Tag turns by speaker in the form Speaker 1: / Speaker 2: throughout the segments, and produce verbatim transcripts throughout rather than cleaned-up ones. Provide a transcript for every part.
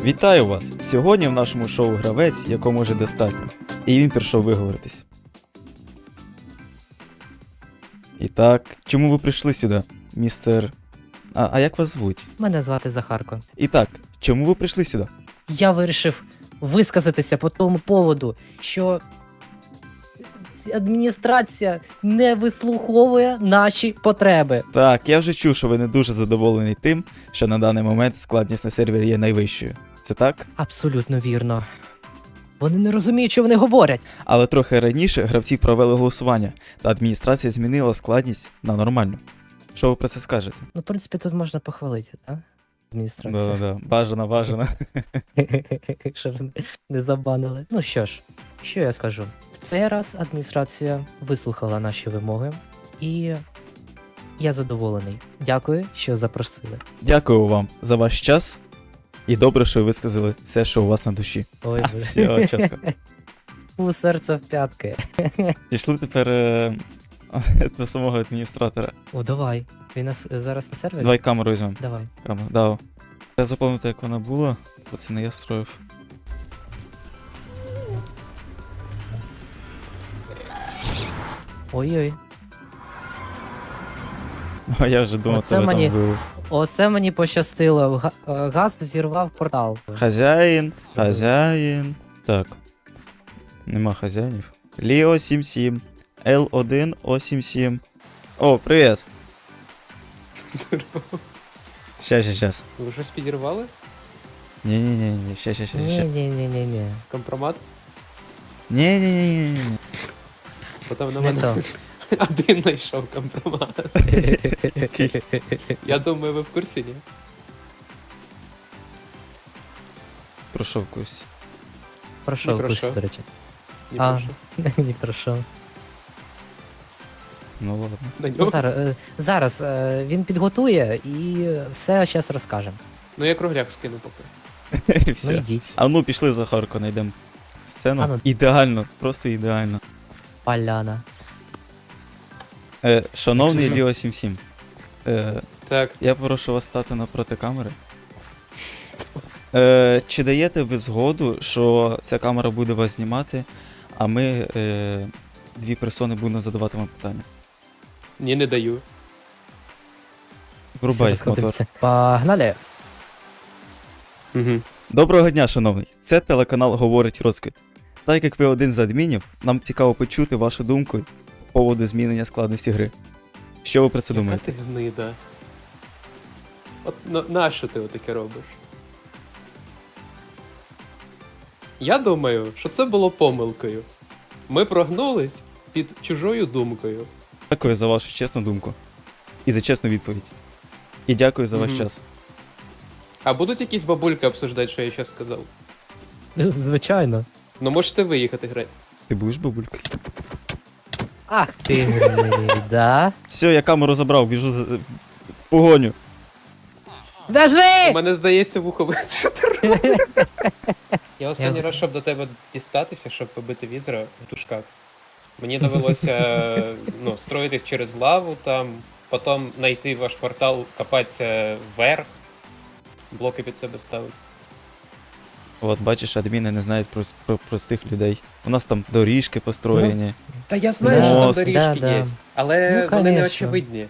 Speaker 1: Вітаю вас! Сьогодні в нашому шоу гравець, якому вже достатньо. І він прийшов виговоритись. І так, чому ви прийшли сюди, містер... А, а як вас звуть?
Speaker 2: Мене звати Захарко.
Speaker 1: І так, чому ви прийшли сюди?
Speaker 2: Я вирішив висказатися по тому поводу, що адміністрація не вислуховує наші потреби.
Speaker 1: Так, я вже чув, що ви не дуже задоволений тим, що на даний момент складність на сервері є найвищою. Це так?
Speaker 2: Абсолютно вірно. Вони не розуміють, що вони говорять.
Speaker 1: Але трохи раніше гравці провели голосування, та адміністрація змінила складність на нормальну. Що ви про це скажете?
Speaker 2: Ну, в принципі, тут можна похвалити, так? Адміністрація.
Speaker 1: Да-да-да, бажано, бажано.
Speaker 2: Щоб не забанили. Ну що ж, що я скажу? В цей раз адміністрація вислухала наші вимоги, і я задоволений. Дякую, що запросили.
Speaker 1: Дякую вам за ваш час. І добре, що ви сказали все, що у вас на душі.
Speaker 2: Ой,
Speaker 1: А, все, чітко.
Speaker 2: у серце в п'ятки.
Speaker 1: Пішли тепер е, до самого адміністратора.
Speaker 2: О, давай. Він нас е, зараз на сервері?
Speaker 1: Давай камеру візьмемо.
Speaker 2: Давай.
Speaker 1: Камеру, да. Я запам'ятаю, як вона була, бо це не я строїв.
Speaker 2: Ой-ой.
Speaker 1: А я вже думав,
Speaker 2: Оце
Speaker 1: тебе
Speaker 2: мені-
Speaker 1: там було.
Speaker 2: Оце мені пощастило. Га- е, Гаст взірвав портал.
Speaker 1: Хазяїн, хазяїн. Так. Нема хазяїнів. Ліо сім сім. Ел один О сім сім. О, привіт. Щас, щас, щас.
Speaker 3: Ви щось підірвали?
Speaker 1: Ні-ні-ні, щас, щас, щас, щас.
Speaker 2: Ні-ні-ні-ні-ні.
Speaker 3: Компромат?
Speaker 1: Ні-ні-ні.
Speaker 3: Бо там на
Speaker 2: Не
Speaker 3: мене
Speaker 2: то.
Speaker 3: один знайшов компромат. Я думаю, ви в курсі, ні?
Speaker 1: Пройшов кусь.
Speaker 2: Пройшов
Speaker 3: Не
Speaker 2: курс,
Speaker 3: пройшов.
Speaker 2: до речі.
Speaker 3: Ні,
Speaker 2: А.
Speaker 3: прошу.
Speaker 2: Не пройшов.
Speaker 1: Ну ладно.
Speaker 3: На
Speaker 2: Ну,
Speaker 3: нього?
Speaker 2: зараз, е, зараз е, він підготує і все зараз розкажемо.
Speaker 3: Ну я кругляк скину поки.
Speaker 1: І
Speaker 2: Ну
Speaker 1: все.
Speaker 2: йдіть.
Speaker 1: А ну пішли за Харко, знайдемо сцену.
Speaker 2: А ну.
Speaker 1: Ідеально, просто ідеально.
Speaker 2: Поляна.
Speaker 1: Е, шановний
Speaker 3: Чесно.
Speaker 1: Ліо сім сім. Е,
Speaker 3: Так,
Speaker 1: я прошу вас стати напроти камери. Е, чи даєте ви згоду, що ця камера буде вас знімати, а ми е, дві персони будемо задавати вам питання?
Speaker 3: ні, не даю.
Speaker 1: Врубай
Speaker 2: Все,
Speaker 1: мотор.
Speaker 2: розходимося. Погнали.
Speaker 3: Угу.
Speaker 1: Доброго дня, шановний. Це телеканал Говорить Розквіт. Так як ви один з адмінів, нам цікаво почути вашу думку по поводу змінення складності гри. Що ви про це
Speaker 3: Яка
Speaker 1: думаєте?
Speaker 3: ти гнида? От на, нащо ти отаке робиш? Я думаю, що це було помилкою. Ми прогнулись під чужою думкою.
Speaker 1: Дякую за вашу чесну думку. І за чесну відповідь. І дякую за ваш
Speaker 3: Мгм.
Speaker 1: час.
Speaker 3: А будуть якісь бабульки обсуждати, що я зараз сказав?
Speaker 2: Ну, звичайно.
Speaker 3: Ну можете виїхати грати.
Speaker 1: Ти будеш бабулькою?
Speaker 2: Ах ти гнида.
Speaker 1: Все, я камеру забрав, біжу за- в погоню.
Speaker 3: У
Speaker 2: Дожди!
Speaker 3: мене здається вухо ви- Що ти робиш? Я останній
Speaker 2: Я-
Speaker 3: раз, щоб до тебе дістатися, щоб побити візера в дужках. Мені довелося ну, строїтись через лаву там, потім знайти ваш портал, копатися вверх, блоки під себе ставити.
Speaker 1: От, бачиш, адміни не знають про, про простих людей. У нас там доріжки построєні.
Speaker 3: Та я
Speaker 2: знаю, що там
Speaker 1: Мост.
Speaker 3: доріжки
Speaker 2: Да, да.
Speaker 3: є, але
Speaker 2: Ну,
Speaker 3: вони не
Speaker 2: конечно.
Speaker 3: очевидні.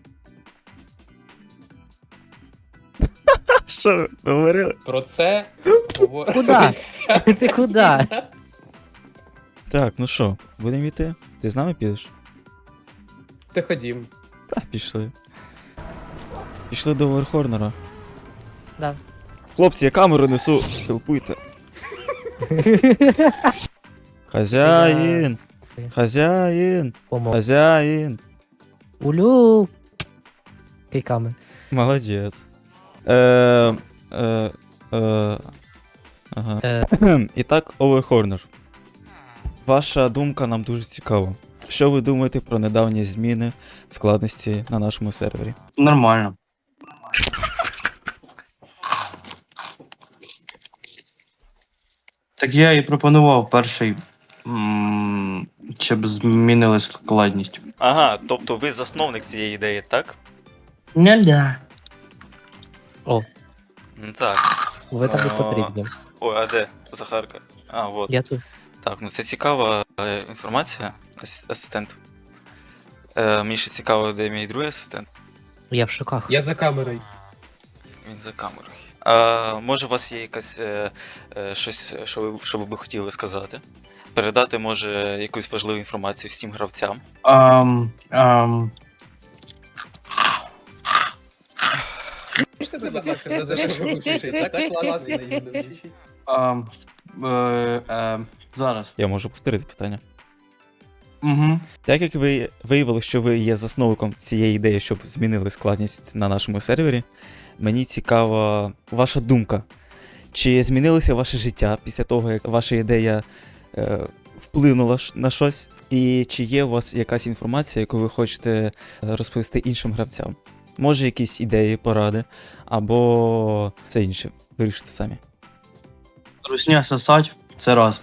Speaker 1: Що ви говорили?
Speaker 3: Про це говориться.
Speaker 2: Ти куди?
Speaker 1: Так, ну що, будемо йти? Ти з нами підеш?
Speaker 3: Ти ходім.
Speaker 1: Так, пішли. Пішли до Верхорнера.
Speaker 2: Да.
Speaker 1: Хлопці, я камеру несу. Хелпуйте. Хазяїн! Хазяїн!
Speaker 2: Помог.
Speaker 1: Хазяїн!
Speaker 2: Улю. Кийками.
Speaker 1: Молодець. Е, е, е, ага.
Speaker 2: Е.
Speaker 1: І так, Оверхорнер. Ваша думка нам дуже цікава. Що ви думаєте про недавні зміни в складності на нашому сервері?
Speaker 4: Нормально. Так я і пропонував перший, м, щоб змінили складність.
Speaker 1: Ага, тобто ви засновник цієї ідеї, так?
Speaker 4: Не да.
Speaker 2: О.
Speaker 1: Так.
Speaker 2: Ви там не
Speaker 1: А.
Speaker 2: потрібні.
Speaker 1: Ой, а де? Захарка. А, от.
Speaker 2: Я тут.
Speaker 1: Так, ну це цікава е, інформація, ас- асистент. Е, мені ще цікаво, де мій другий асистент.
Speaker 2: Я в шоках.
Speaker 3: Я за камерою.
Speaker 1: Він за камерою. А, може, у вас є якась е, е, щось, що ви, що ви би хотіли сказати? Передати, може, якусь важливу інформацію всім гравцям.
Speaker 4: Ам, ам,
Speaker 3: Можете, будь ласка, за те, що ви вчите? Так класно її звучить.
Speaker 4: ам, е, е, зараз.
Speaker 1: Я можу повторити питання.
Speaker 4: Угу.
Speaker 1: Так як ви виявили, що ви є засновником цієї ідеї, щоб змінили складність на нашому сервері, мені цікава ваша думка. Чи змінилося ваше життя після того, як ваша ідея е, вплинула ш- на щось? І чи є у вас якась інформація, яку ви хочете е, розповісти іншим гравцям? Може, якісь ідеї, поради, або це інше. Вирішите самі.
Speaker 4: Русня сосать, це раз.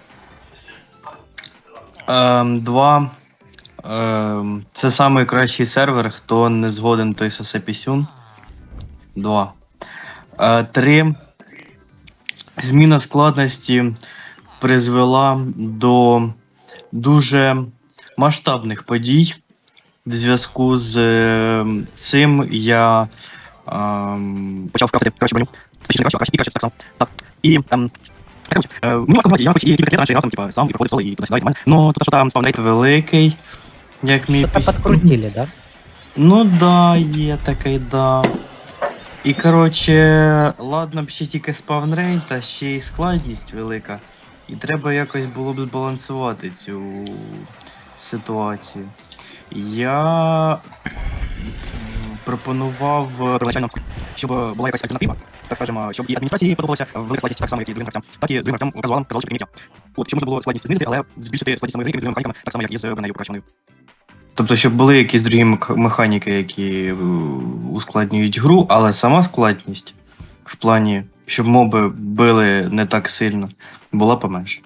Speaker 4: Ем, два. Ем, це найкращий сервер, хто не згоден, той сосе пісюн. Два. Е, три. Зміна складності призвела до дуже масштабних подій. В зв'язку з е, цим я ем, почав крафтити краще броню. Точніше, не краще, а краще і краще так само. Так. І ем, коротше, е, мені важко знати, я хоч і кілька років раніше грав там, типа, сам і проходив соло, і туди-сюди, нормально. Ну, тут що там спавнрейт великий, як мій
Speaker 2: Що-то
Speaker 4: піс...
Speaker 2: подкрутили, да?
Speaker 4: Ну да, є такий, да. І коротше, ладно б ще тільки спавнрейт, а ще й складність велика. І треба якось було б збалансувати цю ситуацію. Я м, пропонував е, первоначально, щоб була якась альтернатива. Так скажемо, щоб і адміністрації подобалося велика складність так само, як і другим гравцям, так і другим гравцям казуалам казали, що прийняття. От, щоб можна було складність знизити, але збільшити складність самої гри з другими механіками, так само, як і з бронею покращеною. Тобто, щоб були якісь другі мех- механіки, які е, ускладнюють гру, але сама складність в плані, щоб моби били не так сильно, була поменше.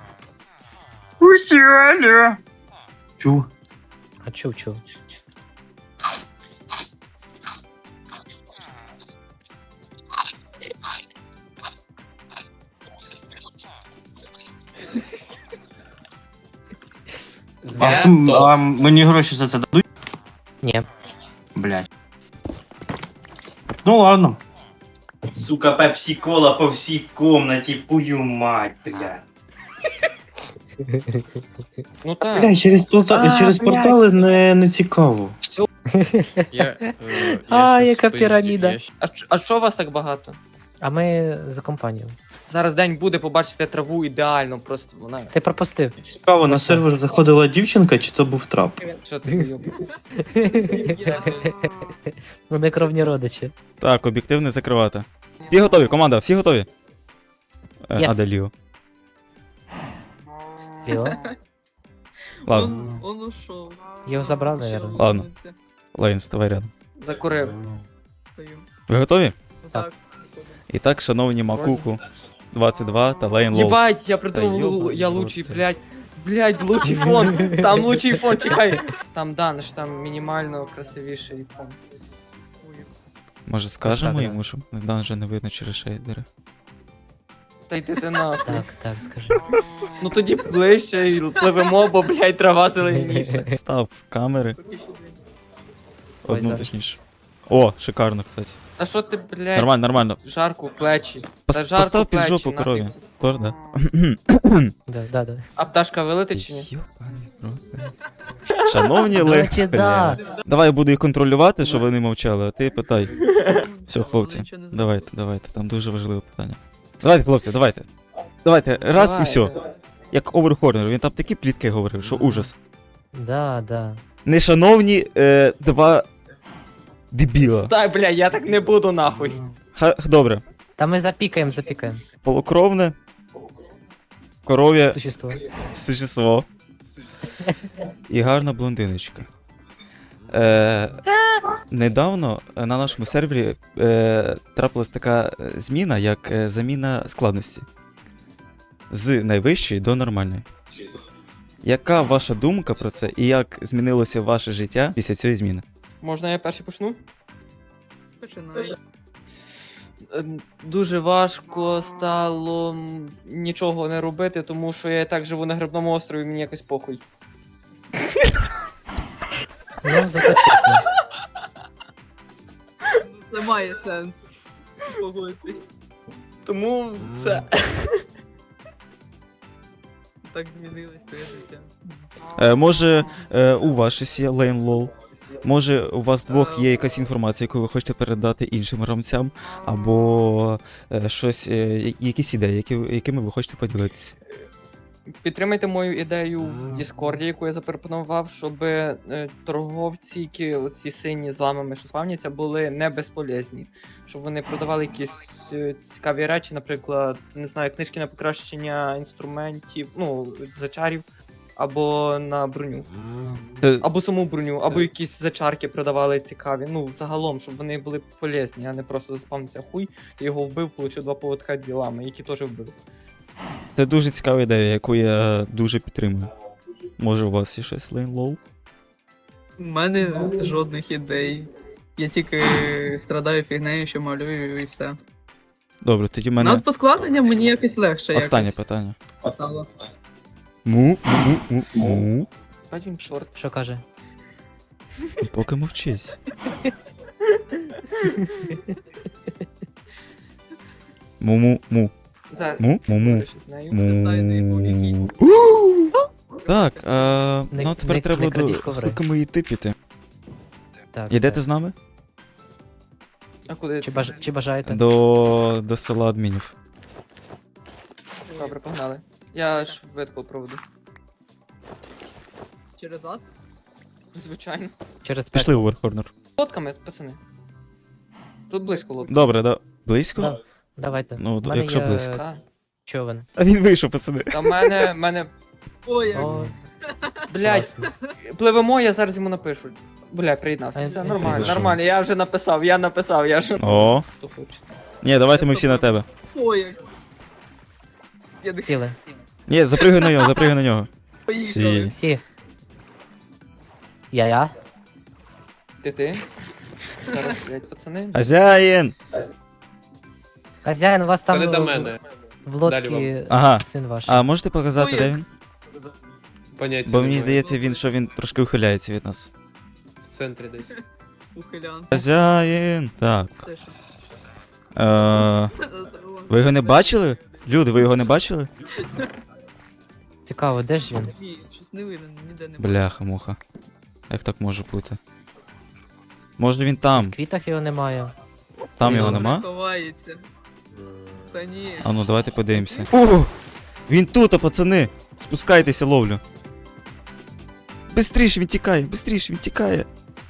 Speaker 4: Усіаля! Чув?
Speaker 2: А чув, чув.
Speaker 4: А, хто, а мені гроші за це дадуть?
Speaker 2: Ні.
Speaker 4: Блять. Ну ладно. Сука, пепсі-кола по всій комнаті, пую мать, блядь.
Speaker 3: Ну так.
Speaker 4: Бля, через, порта...
Speaker 2: А,
Speaker 4: через
Speaker 2: блядь.
Speaker 4: портали не, не цікаво.
Speaker 5: Я, е,
Speaker 2: А,
Speaker 5: щас
Speaker 2: яка
Speaker 5: спиздю,
Speaker 2: піраміда.
Speaker 5: я щ-
Speaker 6: А, ч- а що вас так багато?
Speaker 2: А ми за компанію.
Speaker 6: Зараз день буде, побачите траву ідеально, просто вона.
Speaker 2: Ти пропустив.
Speaker 4: Цікаво, на сервер заходила дівчинка, чи це був трап?
Speaker 6: Що ти вийобуєшся?
Speaker 2: Вони кровні родичі.
Speaker 1: Так, об'єктивне закривати. Всі готові, команда, всі готові? Е,
Speaker 2: Yes.
Speaker 1: А де Ліо?
Speaker 2: Ліо.
Speaker 1: Ладно,
Speaker 7: Он, он ушел.
Speaker 2: Його забрали, наверное.
Speaker 1: Ладно. Лейн, ставай рядом.
Speaker 6: Закурив.
Speaker 1: Ви готові?
Speaker 2: Так.
Speaker 1: І так, шановні Макуку, двадцять два та Лейн Лоу.
Speaker 6: Єбать, я
Speaker 1: Та
Speaker 6: придумав,
Speaker 1: йобаний
Speaker 6: я
Speaker 1: в рот,
Speaker 6: лучший,
Speaker 1: блядь.
Speaker 6: блядь. Блядь, лучший фон. Там лучший фон, чекай. Там Даниш, там мінімально красивіший фон.
Speaker 1: Може скажемо
Speaker 2: Так,
Speaker 1: йому, що Дан вже не видно через шейдери.
Speaker 6: Та йди ти нахуй.
Speaker 2: Так, так, скажи.
Speaker 6: Ну тоді ближче і пливемо, бо, блядь, трава зеленіша.
Speaker 1: Став камери.
Speaker 2: Ой,
Speaker 1: Одну
Speaker 2: зараз.
Speaker 1: точніше. О, шикарно, кстати.
Speaker 6: Та що ти, блядь,
Speaker 1: Нормально, нормально.
Speaker 6: жарку в плечі.
Speaker 1: Пос-
Speaker 6: Та жарко
Speaker 1: Постав під
Speaker 6: плечі,
Speaker 1: жопу
Speaker 6: нахуй.
Speaker 1: корові. Тор, да.
Speaker 2: Да, да, да.
Speaker 6: А пташка вилетить чи ні?
Speaker 1: Йобаний в рот, блядь. Шановні
Speaker 2: До
Speaker 1: Лейн.
Speaker 2: речі, да.
Speaker 1: Давай я буду їх контролювати, щоб вони мовчали, а ти питай. Все, хлопці, давайте, давайте, там дуже важливе питання. Давайте, хлопці, давайте. Давайте, раз
Speaker 6: Давай.
Speaker 1: і все. Як Оверхорнер, він там такі плітки говорив, що ужас.
Speaker 2: Да, да.
Speaker 1: Нешановні е, два дебіла.
Speaker 6: Та, бля, я так не буду нахуй.
Speaker 1: Ха, добре.
Speaker 2: Та ми запікаємо, запікаємо.
Speaker 1: Полукровне. Коров'я
Speaker 2: Существо.
Speaker 1: существо. І гарна блондиночка. Е, недавно на нашому сервері е, трапилась така е, зміна, як е, заміна складності. З найвищої до нормальної. Яка ваша думка про це і як змінилося ваше життя після цієї зміни?
Speaker 6: Можна я перший почну?
Speaker 7: Починай.
Speaker 6: е, дуже важко стало м, нічого не робити, тому що я і так живу на грибному острові, мені якось похуй.
Speaker 2: Ну, зато чесно.
Speaker 7: Це має сенс. Погодьтесь.
Speaker 6: Тому все.
Speaker 7: Так змінилось твоє життя.
Speaker 1: Е, може, е, у вас щось є Лейн Лол? Може, у вас двох є якась інформація, яку ви хочете передати іншим гравцям, або е, щось, е, я- якісь ідеї, які, ви- якими ви хочете поділитися?
Speaker 6: Підтримайте мою ідею в Діскорді, яку я запропонував, щоб е, торговці, які оці сині з ламами, що спавняться, були не безполезні. Щоб вони продавали якісь е, цікаві речі, наприклад, не знаю, книжки на покращення інструментів, ну, зачарів, або на броню.
Speaker 1: Це,
Speaker 6: Або саму броню, або якісь зачарки продавали цікаві. Ну, загалом, щоб вони були полезні, а не просто заспавнився хуй, ти його вбив, получив два поводка ділами, які теж вбив.
Speaker 1: це дуже цікава ідея, яку я дуже підтримую. Може, у вас є щось Лейн Лол?
Speaker 7: У мене жодних ідей. Я тільки страдаю фігнею, що малюю і все.
Speaker 1: Добре, тоді в мене
Speaker 7: Над поскладенням мені якось легше.
Speaker 1: останнє
Speaker 7: якось
Speaker 1: питання.
Speaker 7: стало.
Speaker 1: Му, му, му, му.
Speaker 6: Бать він чорт.
Speaker 2: Що каже?
Speaker 1: Поки мовчись. Му-му-му.
Speaker 6: За...
Speaker 1: Му-му-му.
Speaker 6: Що з нею?
Speaker 7: Тайний був якийсь.
Speaker 1: Так, а,
Speaker 2: Не-
Speaker 1: ну тепер
Speaker 2: не-
Speaker 1: треба
Speaker 2: не
Speaker 1: до
Speaker 2: крадіть коври.
Speaker 1: Хикмиїти піти.
Speaker 2: Так.
Speaker 1: Ідете
Speaker 2: так.
Speaker 1: з нами?
Speaker 6: А куди
Speaker 2: Чи,
Speaker 6: це?
Speaker 2: баж... Чи бажаєте?
Speaker 1: До, до села адмінів.
Speaker 6: Добре, погнали. Я швидко проведу.
Speaker 7: Через ад?
Speaker 6: Звичайно.
Speaker 2: Через п'ять.
Speaker 1: Пішли у Верхорнер.
Speaker 6: Лодками, пацани. Тут близько лодка.
Speaker 1: Добре, да. Близько?
Speaker 2: Да, давайте.
Speaker 1: Ну,
Speaker 2: В мене
Speaker 1: якщо
Speaker 2: є
Speaker 1: близько.
Speaker 6: Так.
Speaker 2: човен.
Speaker 1: А він вийшов, пацани.
Speaker 6: Та в мене, мене,
Speaker 7: Ой, як.
Speaker 2: О,
Speaker 6: блядь,
Speaker 2: класно.
Speaker 6: пливемо, я зараз йому напишу. Бля, приєднався.
Speaker 2: А,
Speaker 6: Все
Speaker 2: я-
Speaker 6: нормально,
Speaker 1: Зайшов.
Speaker 6: нормально, я вже написав, я написав, я вже.
Speaker 1: О.
Speaker 6: Хто хоче.
Speaker 1: Ні, давайте ми всі на тебе.
Speaker 7: Ой, як. Я не
Speaker 2: Сіли.
Speaker 1: Ні, запригай на нього, запригай на нього.
Speaker 7: поїхали.
Speaker 1: Всі.
Speaker 2: Всі. Я-я.
Speaker 6: Ти ти. Зараз, блядь, пацани.
Speaker 1: Хазяїн!
Speaker 2: Хазяїн, у вас
Speaker 3: Це
Speaker 2: там
Speaker 3: не до
Speaker 2: в-
Speaker 3: мене.
Speaker 2: в
Speaker 3: Далі
Speaker 2: лодці
Speaker 3: вам.
Speaker 1: Ага.
Speaker 2: син ваш.
Speaker 1: А можете показати,
Speaker 7: Ой.
Speaker 1: де він?
Speaker 3: Поняття
Speaker 1: Бо мені
Speaker 3: немає.
Speaker 1: здається, він, що він трошки ухиляється від нас.
Speaker 3: В центрі десь.
Speaker 7: Ухилян.
Speaker 1: Хазяїн! Так.
Speaker 7: Це що?
Speaker 1: Е, ви його не бачили? Люди, ви його не бачили?
Speaker 2: Цікаво, де ж він?
Speaker 7: Ні, щось не видно, ніде не
Speaker 1: Бляха, муха. Як так може бути? Може він
Speaker 2: В
Speaker 1: там?
Speaker 2: квітах його немає.
Speaker 1: Там його
Speaker 7: Добре,
Speaker 1: нема?
Speaker 7: ховається. Та ні.
Speaker 1: А ну давайте подивимося. О! Він тут, а пацани! Спускайтеся, ловлю. Бистріше він тікає, бистріше він тікає.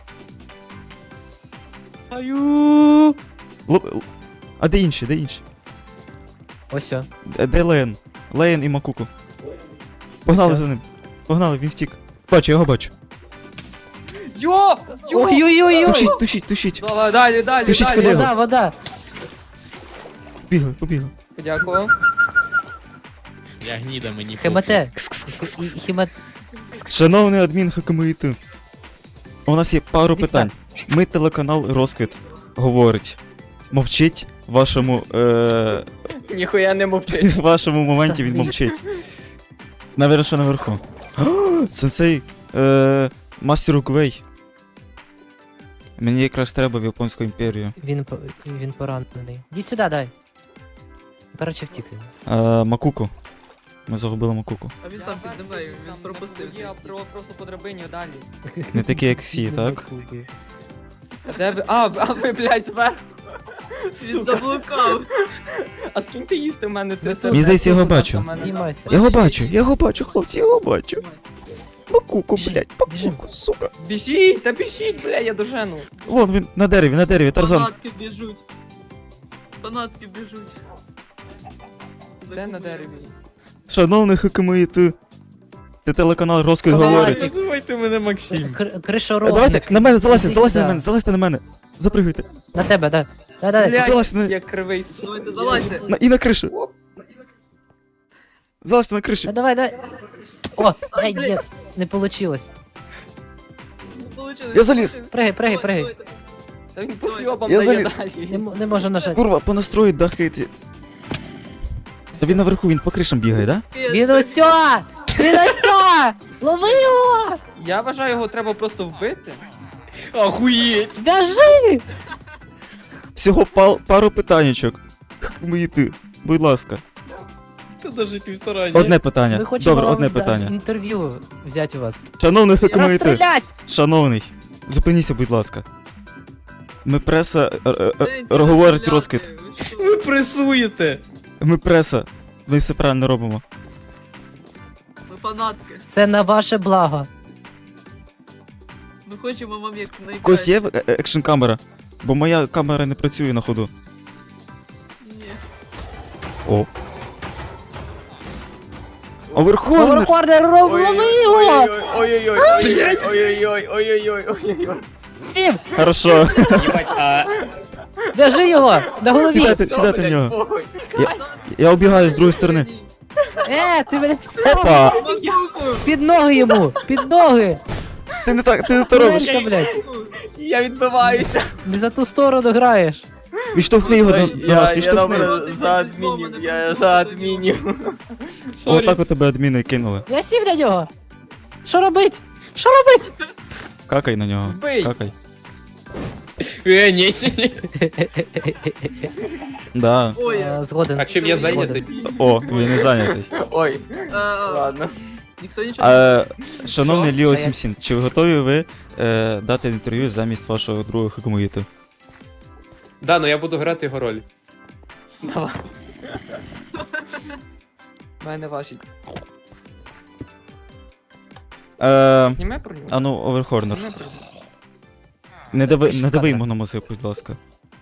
Speaker 1: Аю! Лоп... л- А де інші, де інші?
Speaker 2: Ось о.
Speaker 1: Де, де Лейн? Лейн і Макуку. Погнали
Speaker 2: Все.
Speaker 1: за ним. Погнали, він втік. Бачу, я його бачу.
Speaker 6: Йо! Йо!
Speaker 2: Ой-ой-ой!
Speaker 1: Тушіть, тушіть, тушіть.
Speaker 6: Давай, далі, далі,
Speaker 1: Пишіть
Speaker 6: далі.
Speaker 1: колегу.
Speaker 2: Вода, вода!
Speaker 1: Побігли, побігли.
Speaker 6: Дякую.
Speaker 5: Я гніда мені.
Speaker 2: Хемате!
Speaker 1: Кс-кс-кс-кс.
Speaker 2: Хімат...
Speaker 1: Шановний адмін Хакамиїти. У нас є пару
Speaker 2: Іди
Speaker 1: питань. Ми телеканал Розквіт говорить. Мовчить в вашому, е...
Speaker 6: Ніхуя не мовчить.
Speaker 1: в вашому моменті він мовчить. Навірно, що наверху. О, Сенсей, е... мастер Угвей. Мені якраз треба в Японську імперію.
Speaker 2: Він, по- він поранений. Іди сюди, дай. Коротше, втік він.
Speaker 1: Е... Макуку. Ми загубили Макуку.
Speaker 7: А він там під землею, він пропустив.
Speaker 6: Я про, просто по драбині далі.
Speaker 1: Не такі, як всі, так?
Speaker 6: А де ви? А, а ви, блядь, зверху.
Speaker 7: Він
Speaker 6: Сука.
Speaker 7: заблукав.
Speaker 6: А скиньте їсти в мене три
Speaker 1: Мені здається, я його бачу.
Speaker 2: Знімайся.
Speaker 1: Я його бачу, я його бачу, хлопці, я його бачу. Макуку,
Speaker 2: Біжи,
Speaker 1: блядь,
Speaker 2: біжи.
Speaker 1: Макуку, сука.
Speaker 6: Біжіть, та біжіть, бля, я дожену.
Speaker 1: Вон він на дереві, на дереві, Тарзан.
Speaker 7: Фанатки біжуть. Фанатки біжуть.
Speaker 6: Де на дереві?
Speaker 1: Шановний Хакамиїти. Це телеканал Розквіт
Speaker 2: Давай,
Speaker 1: говорить.
Speaker 5: Називайте мене Максим.
Speaker 2: Кр-
Speaker 1: Е,
Speaker 2: Кришоробник.
Speaker 1: Давайте, на мене, залазьте,
Speaker 2: Іди
Speaker 1: залазьте на
Speaker 2: сюди.
Speaker 1: мене, залазьте на мене. Запригуйте.
Speaker 2: На тебе, да. Да, да.
Speaker 6: Блядь,
Speaker 1: залазь на-
Speaker 6: я кривий, сука.
Speaker 7: Давайте, залазьте.
Speaker 1: На, і на кришу.
Speaker 6: Оп.
Speaker 1: Залазьте на кришу.
Speaker 2: Да, давай, дай. О, ай,
Speaker 7: блядь.
Speaker 2: ні, не получилось.
Speaker 7: Не получилось.
Speaker 1: Я заліз.
Speaker 7: Давайте,
Speaker 2: Пригай, пригай,
Speaker 7: давайте,
Speaker 2: пригай.
Speaker 7: давайте.
Speaker 6: Та він по сьобам
Speaker 1: Я
Speaker 6: дає
Speaker 1: заліз.
Speaker 2: Не,
Speaker 6: далі.
Speaker 2: м- не можу нажати.
Speaker 1: Курва, по настрою дахаєте. Та він наверху, він по кришам бігає, да?
Speaker 2: Він усьо! Він усьо! Лови його!
Speaker 6: Я вважаю, його треба просто вбити.
Speaker 5: Охуєть!
Speaker 2: В'яжи!
Speaker 1: Всього пал, пару питаннячок. Мої ти, будь ласка.
Speaker 5: Це даже півтора, ні?
Speaker 1: Одне питання.
Speaker 2: Ми хочемо
Speaker 1: Добре,
Speaker 2: вам
Speaker 1: одне
Speaker 2: да-
Speaker 1: питання.
Speaker 2: інтерв'ю взяти у вас.
Speaker 1: Шановний Хикмаїти,
Speaker 2: Розстрілять!
Speaker 1: шановний, зупиніться, будь ласка. Ми преса, е, е, е, говорить розквіт.
Speaker 5: Ви пресуєте!
Speaker 1: Ми преса. Ми все правильно робимо.
Speaker 7: Ми фанатки.
Speaker 2: Це на ваше благо.
Speaker 7: Ми хочемо вам як
Speaker 1: У когось
Speaker 7: найкраще.
Speaker 1: є е- екшн камера? Бо моя камера не працює на ходу.
Speaker 7: Ні.
Speaker 1: О. Оверхорнер!
Speaker 2: Оверхорнер, роб- лови його!
Speaker 6: Ой-ой-ой, ой-ой-ой, ой-ой-ой, ой-ой-ой.
Speaker 2: Сім!
Speaker 1: Хорошо.
Speaker 5: Їбать, а...
Speaker 2: В'яжи його! На голові!
Speaker 1: Сідайте, сідайте на нього. Я обігаю з другої сторони.
Speaker 2: Е, ти мене підставив!
Speaker 1: Опа!
Speaker 7: Мазуку!
Speaker 2: Під ноги йому! Під ноги!
Speaker 1: Ти не так, ти не то робиш.
Speaker 2: Турелька, блядь!
Speaker 6: Я відбиваюся.
Speaker 2: Не за ту сторону граєш!
Speaker 1: Відштовхни його до, до нас,
Speaker 6: Я
Speaker 1: відштовхни.
Speaker 6: добре за адмінів, я за адмінів.
Speaker 5: Сорі.
Speaker 1: Отак у тебе адміни кинули.
Speaker 2: Я сів на нього! Що робить? Що робить?
Speaker 1: Какай на нього.
Speaker 6: Бий.
Speaker 1: Какай.
Speaker 5: Е, ні, ні, ні.
Speaker 1: Да.
Speaker 7: Ой,
Speaker 2: Е, Згоден.
Speaker 3: А чим я зайнятий?
Speaker 1: О, він не зайнятий.
Speaker 6: Ой,
Speaker 7: а, а,
Speaker 6: ладно.
Speaker 7: ніхто нічого
Speaker 1: Е, шановний Ліо
Speaker 2: А я-
Speaker 1: Сімсін, чи ви готові ви е, дати інтерв'ю замість вашого другого Хикмаїти?
Speaker 3: Да, ну я буду грати його роль.
Speaker 6: Давай. В мене важить.
Speaker 1: Е,
Speaker 6: Зніме про нього?
Speaker 1: а ну, Оверхорнер.
Speaker 6: Зніме про нього.
Speaker 1: Не дави, не
Speaker 2: Пішла,
Speaker 1: дави
Speaker 2: да.
Speaker 1: йому на мозок, будь ласка.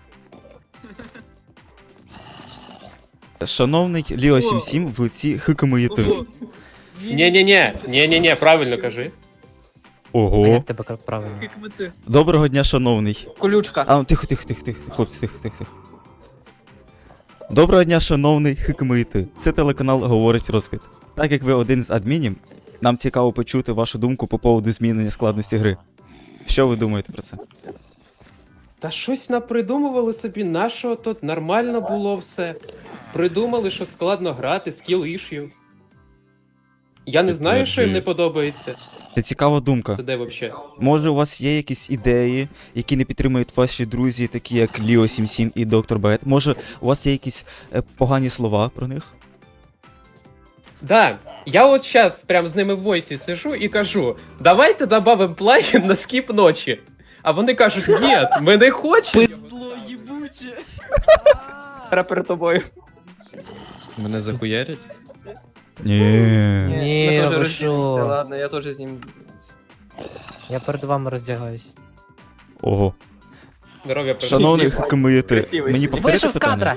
Speaker 1: Шановний Ліо
Speaker 7: О.
Speaker 1: Сімсім в лиці Хикмаїти.
Speaker 7: Ого.
Speaker 3: Ні-ні-ні, ні-ні-ні, правильно кажи.
Speaker 2: А
Speaker 1: Ого.
Speaker 2: як тебе кра- правильно?
Speaker 7: Як ми ти.
Speaker 1: Доброго дня, шановний.
Speaker 6: Колючка.
Speaker 1: А, ну, тихо, тихо, тихо, тихо, хлопці, тихо, тихо, тихо. Доброго дня, шановний Хикмаїти. Це телеканал Говорить Розквіт. Так як ви один з адмінів, нам цікаво почути вашу думку по поводу змінення складності гри. Що ви думаєте про це?
Speaker 3: Та щось напридумували собі, нашого тут нормально було все. Придумали, що складно грати, скіл ішів. Я не знаю, що їм не подобається.
Speaker 1: Це цікава думка.
Speaker 3: Це де взагалі?
Speaker 1: Може, у вас є якісь ідеї, які не підтримують ваші друзі, такі як Ліо Сімсін і Доктор Бет? Може, у вас є якісь е, погані слова про них?
Speaker 3: Да, я от зараз прям з ними в войсі сижу і кажу: давайте добавимо плагін на скіп ночі. А вони кажуть, ні, ми не хочемо.
Speaker 5: Пиздло їбуче.
Speaker 6: Пера перед тобою.
Speaker 5: Мене захуярять?
Speaker 1: Ні.
Speaker 2: Ні,
Speaker 6: ми теж
Speaker 2: ви
Speaker 6: розділимося,
Speaker 2: що?
Speaker 6: ладно, я теж з ним.
Speaker 2: Я перед вами роздягаюсь.
Speaker 1: Ого.
Speaker 3: Здоров'я перед-
Speaker 1: Шановний Хикмаїти,
Speaker 6: Красивий.
Speaker 1: мені повторити
Speaker 2: Вийшов з
Speaker 1: питання?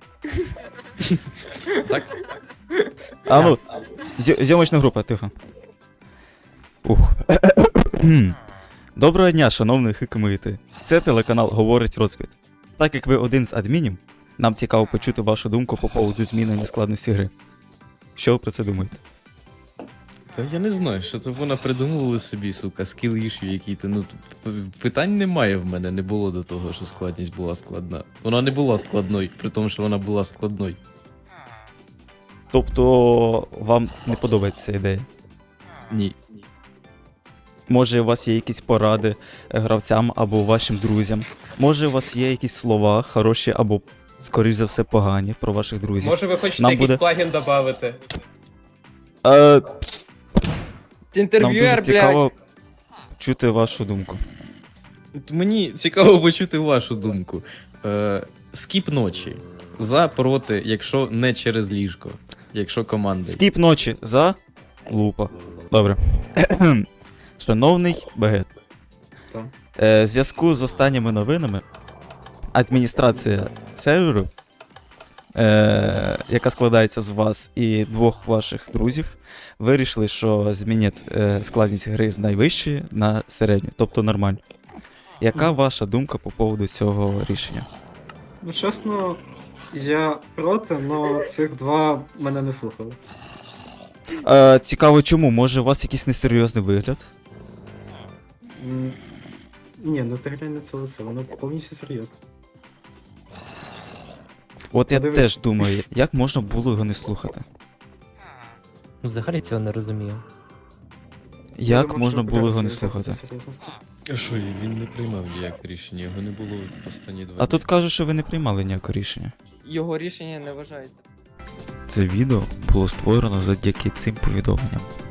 Speaker 2: кадра!
Speaker 5: Так?
Speaker 1: А ну, зйо- зйомочна група, тихо. Ух. Доброго дня, шановний Хикмаїти. Це телеканал Говорить Розквіт. Так як ви один з адмінів, нам цікаво почути вашу думку по поводу змінення складності гри. Що ви про це думаєте?
Speaker 5: Та я не знаю, що то вона придумували собі, сука, скіл ішу які-то. Ну, п- питань немає в мене, не було до того, що складність була складна. Вона не була складною, при тому, що вона була складною.
Speaker 1: Тобто, вам не подобається ця ідея?
Speaker 5: Ні.
Speaker 1: Може, у вас є якісь поради е, гравцям або вашим друзям? Може, у вас є якісь слова хороші або, скоріш за все, погані про ваших друзів?
Speaker 3: Може ви хочете
Speaker 1: Нам
Speaker 3: якийсь
Speaker 1: буде-
Speaker 3: плагін додати?
Speaker 1: Е,
Speaker 6: Ти
Speaker 1: нам
Speaker 6: інтерв'юер,
Speaker 1: дуже
Speaker 6: блядь.
Speaker 1: цікаво чути вашу думку.
Speaker 5: От мені цікаво почути вашу думку. Е, скіп ночі. За, проти, якщо не через ліжко. Якщо команда.
Speaker 1: Скіп ночі за лупа. Добре. Шановний Багет.
Speaker 5: Так.
Speaker 1: Е, в зв'язку з останніми новинами адміністрація серверу, е, яка складається з вас і двох ваших друзів, вирішили, що змінять е, складність гри з найвищої на середню, тобто нормальну. Яка ваша думка по поводу цього рішення?
Speaker 8: Ну, чесно, я проти, але цих два мене не слухали.
Speaker 1: Е, цікаво, чому? Може, у вас якийсь несерйозний вигляд?
Speaker 8: М, Ні, ну ти глянь на це лице, воно повністю серйозно.
Speaker 1: От я
Speaker 8: Подивись.
Speaker 1: теж думаю, як можна було його не слухати?
Speaker 2: Ну, взагалі цього не розумію.
Speaker 1: Як
Speaker 8: Дуже
Speaker 1: можна було його не
Speaker 8: виправитися
Speaker 1: слухати?
Speaker 8: від серйозності.
Speaker 5: А що, він не приймав ніяке рішення, його не було останні два
Speaker 1: А
Speaker 5: дні.
Speaker 1: тут кажуть, що ви не приймали ніякого рішення.
Speaker 6: Його рішення не вважається.
Speaker 1: Це відео було створено завдяки цим повідомленням.